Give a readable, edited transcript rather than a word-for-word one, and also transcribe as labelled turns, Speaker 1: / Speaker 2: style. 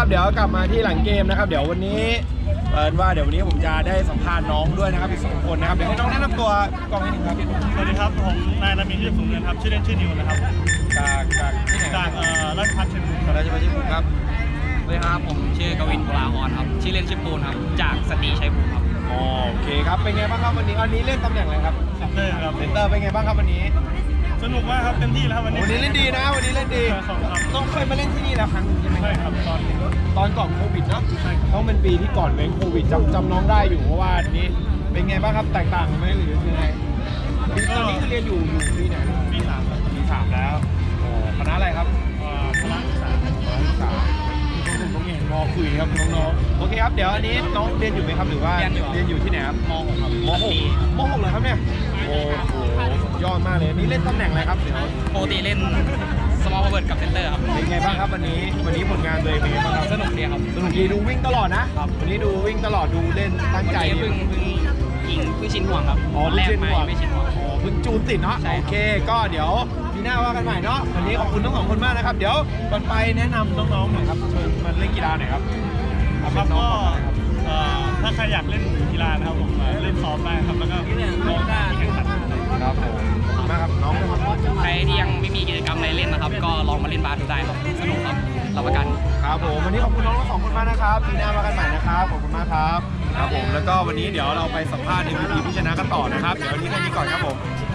Speaker 1: ครับเดี๋ยวกลับมาที่หลังเกมนะครับเดี๋ยววันนี้เดี๋ยววันนี้ผมจะได้สัมภาษณ์น้องด้วยนะครับอีก2 คนนะครับเดี๋ยวให้น้องแนะนำตัวกองนิดนึงครับ
Speaker 2: สวัสดีครับผมนายรามินที่สูงเนินครับชื่อเล่นชื่อนิวนะครับ
Speaker 1: จากที่ไหน
Speaker 2: จากราชภัฏเชียงราย
Speaker 1: ราชบัณฑิตครับ
Speaker 3: สวัสดีครับผมชื่อกวินบุราออนครับชื่อเล่นชื่อปูนครับจากสตรีชัยภูมิครับ
Speaker 1: โอเคครับเป็นไงบ้างครับวันนี้เล่นตำแหน่งอะไรครับ
Speaker 2: เซนเตอร์ครับ
Speaker 1: เซนเตอร์เป็นไงบ้างครับวันนี้
Speaker 2: สนุกมากครับเต็มที่แล้วครับวันนี้
Speaker 1: วันนี้เล่นดีนะวันนี้เล่นดี
Speaker 2: ขอบคุณครับ
Speaker 1: ต้องเคยมาเล่นที่นี่แล้วครั้งหนึงใช่ไหม
Speaker 2: ใช่ครับ
Speaker 1: ตอนก่อนโควิดเนาะ
Speaker 2: ใช่ครับ
Speaker 1: ต้องเป็นปีที่ก่อนเว้นโควิดจำน้องได้อยู่เพราะว่าอันนี้เป็นไงบ้างครับแตกต่างกันไหมหรือยังไงตอนนี้คือเรียนอยู่ปีไหนนะ
Speaker 2: ปีสามครับ
Speaker 1: ปี 3แล้วคณะอะไรครับ
Speaker 2: พละศึกษา
Speaker 1: ศึกษาผมเห็นมอคุยครับน้องๆโอเคครับเดี๋ยวอันนี้น้องเรียนอยู่ไหมครับหรือว่าเรียนอยู่ที่ไหนครับ
Speaker 3: ม .6 ครับ
Speaker 1: ม .6 เลยครับเนี่ยโอ้โหสุดยอดมากเลยนี่เล่นตำแหน่งอะไรครับเดี๋ยว
Speaker 3: ปกติเล่นสมอลพาวเวิร์ดกับเซนเตอร์ครับ
Speaker 1: เป็นไงบ้างครับวันนี้ผลงานตัวเองเป็นไงบ้างครับ
Speaker 3: สนุกดีครับ
Speaker 1: สนุกดีดูวิ่งตลอดนะครับ วันนี้ดูวิ่งตลอดดูเล่นตั้งใจ
Speaker 3: วันนี้เพิ่งชินห่วงครับ
Speaker 1: อ๋อ
Speaker 3: แรก
Speaker 1: เพิ่งชิน
Speaker 3: ไม่
Speaker 1: ห่วง
Speaker 3: ไม่ชินห่วง
Speaker 1: อ๋อเพิ่งจูนติดเนาะ
Speaker 3: ใช่ครับ
Speaker 1: โอเคก็เดี๋ยวปีหน้าว่ากันใหม่เนาะวันนี้ขอบคุณทั้ง 2 คนมากนะครับเดี๋ยวก่อนไปแนะนำน้องๆหน่อยครับเชิญมาเล่นกีฬาหน่อยครับ
Speaker 2: ครับก็ถ้าใครอยากเล่นกีฬานะครับผมเล่นซ้อมได้ครับแล้วก็ลองที่แข่งขัน
Speaker 1: ครับผมขอบคุณมากครับน้องนะครับ
Speaker 3: ใครที่ยังไม่มีกิจกรรมอะไรเล่นนะครับ ก็ลองมาเล่นบาสดูได้ครับสนุกครับรับประกัน
Speaker 1: ครับผมวันนี้ขอบคุณน้องทั้ง 2 คนมากนะครับปีหน้าว่ากันใหม่นะครับขอบคุณมากครับครับผมแล้วก็วันนี้เดี๋ยวเราไปสัมภาษณ์ MVP ผู้ชนะกันต่อนะครับเดี๋ยววันนี้แค่นี้ก่อนครับผม